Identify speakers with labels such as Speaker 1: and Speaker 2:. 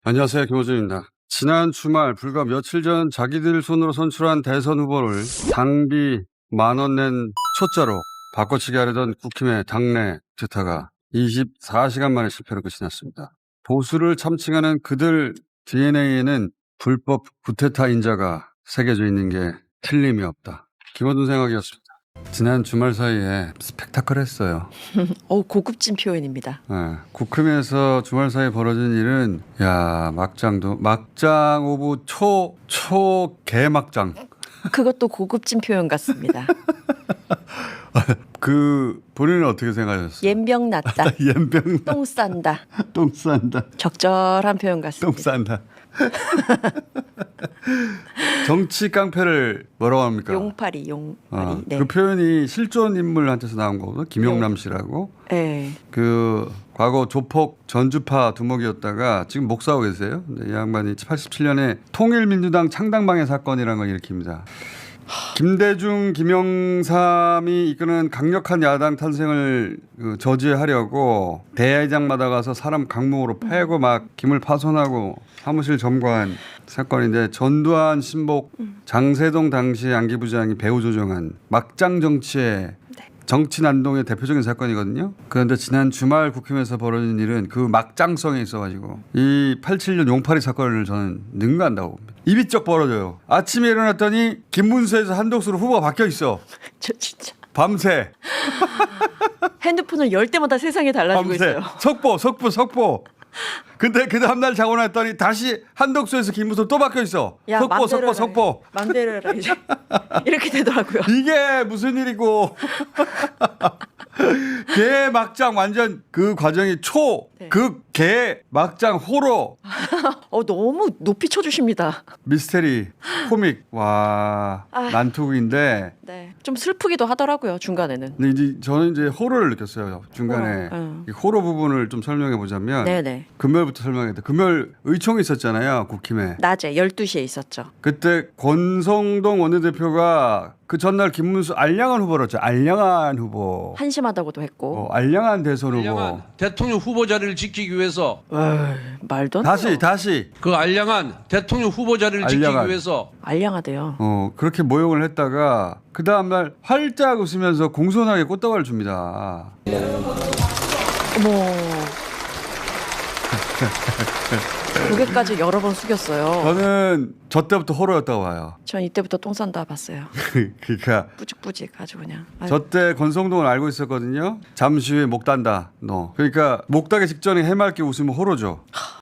Speaker 1: 안녕하세요. 김호준입니다. 지난 주말 불과 며칠 전 자기들 손으로 선출한 대선 후보를 당비 10,000원 낸 초짜로 바꿔치기 하려던 국힘의 당내 투타가 24시간 만에 실패로 끝이 났습니다. 보수를 참칭하는 그들 DNA에는 불법 쿠데타 인자가 새겨져 있는 게 틀림이 없다. 김호준 생각이었습니다. 지난 주말 사이에 스펙타클했어요.
Speaker 2: 고급진 표현입니다.
Speaker 1: 네, 국힘에서 주말 사이에 벌어진 일은 막장 오브 초 개막장.
Speaker 2: 그것도 고급진 표현 같습니다.
Speaker 1: 그 본인은 어떻게 생각하셨어요?
Speaker 2: 옌병 났다.
Speaker 1: 옌병
Speaker 2: 똥 싼다.
Speaker 1: 똥 싼다.
Speaker 2: 적절한 표현 같습니다.
Speaker 1: 똥 싼다. 정치 깡패를 뭐라고 합니까?
Speaker 2: 용팔이. 네.
Speaker 1: 그 표현이 실존 인물한테서 나온 거거든요. 김용남 씨라고.
Speaker 2: 네.
Speaker 1: 그 과거 조폭 전주파 두목이었다가 지금 목사하고 계세요. 근데 이 양반이 87년에 통일민주당 창당방해 사건이라는 걸 일으킵니다. 김대중, 김영삼이 이끄는 강력한 야당 탄생을 저지하려고 대회장마다 가서 사람 강목으로 패고 막 기물 파손하고 사무실 점거한 사건인데, 전두환, 신복, 장세동 당시 안기부장이 배후 조종한 막장 정치의 정치 난동의 대표적인 사건이거든요. 그런데 지난 주말 국힘에서 벌어진 일은 그 막장성에 있어가지고 이 87년 용팔이 사건을 저는 능가한다고 봅니다. 입이 쩍 벌어져요. 아침에 일어났더니 김문수에서 한독수로 후보가 바뀌어 있어.
Speaker 2: 저 진짜
Speaker 1: 밤새.
Speaker 2: 핸드폰을 열 때마다 세상이 달라지고
Speaker 1: 밤새.
Speaker 2: 있어요.
Speaker 1: 속보. 근데 그 다음날 자고 났더니 다시 한독수에서 김문수 또 바뀌어 있어. 속보.
Speaker 2: 맘대로 해라 이제. 이렇게 되더라고요.
Speaker 1: 이게 무슨 일이고. 개 막장 완전 그 과정이 개 막장 호러.
Speaker 2: 너무 높이 쳐주십니다.
Speaker 1: 미스테리 코믹. 와 난투극인데.
Speaker 2: 네. 좀 슬프기도 하더라고요 중간에는.
Speaker 1: 근데 이제 저는 이제 호러를 느꼈어요 중간에. 이 호러 부분을 좀 설명해 보자면.
Speaker 2: 네네.
Speaker 1: 금요일부터 설명해야 돼. 금요일 의총이 있었잖아요 국힘에.
Speaker 2: 낮에 12시에 있었죠.
Speaker 1: 그때 권성동 원내대표가 그 전날 김문수 알량한 후보였죠. 알량한 후보.
Speaker 2: 한심하다고도 했고.
Speaker 1: 알량한 대선 후보.
Speaker 3: 알량한 대통령 후보 자리를 지키기 위해서
Speaker 2: 말도 안 돼요.
Speaker 1: 다시
Speaker 3: 그 알량한 대통령 후보 자리를
Speaker 1: 알량한.
Speaker 3: 지키기 위해서
Speaker 2: 알량하대요.
Speaker 1: 그렇게 모욕을 했다가 그 다음날 활짝 웃으면서 공손하게 꽃다발을 줍니다.
Speaker 2: 어머. 고개까지 여러 번 숙였어요.
Speaker 1: 저는 저 때부터 호러였다고 봐요.
Speaker 2: 전 이때부터 똥 싼다 봤어요.
Speaker 1: 그러니까
Speaker 2: 뿌직뿌직 아주 그냥.
Speaker 1: 저 때 권성동을 알고 있었거든요. 잠시 후에 목 단다 너. 그러니까 목 따기 직전에 해맑게 웃으면 호러죠.